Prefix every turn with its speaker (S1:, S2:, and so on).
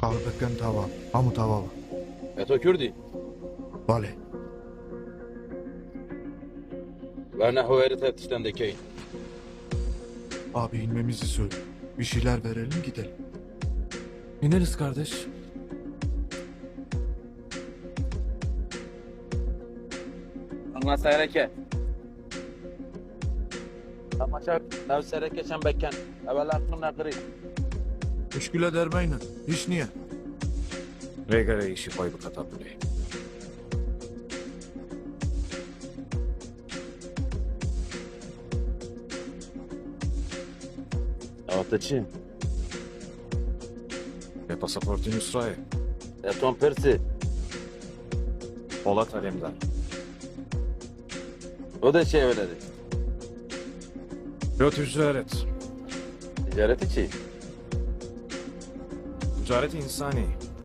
S1: Ağırdıkken tava, hamu tava var.
S2: Eto Kürdi.
S1: Vale.
S2: Ve nehu eri teftişten dekeyin.
S1: Abi inmemizi söyle. Bir şeyler verelim gidelim.
S3: İneriz kardeş.
S2: Anla seyreke. Tamaşa nev seyreke şembeken. Evvel aklına kırı.
S1: Müşküle dermeyle. Hiç niye?
S3: Regare işi koy bu katabüleyi.
S2: Avatıçı.
S3: Ve pasaportun Yusra'yı.
S2: Eton Persi.
S3: Polat Alemdar.
S2: O da şey öyledi.
S3: Pilot ticaret.
S2: Ticaret içi.
S3: Ticaret insani.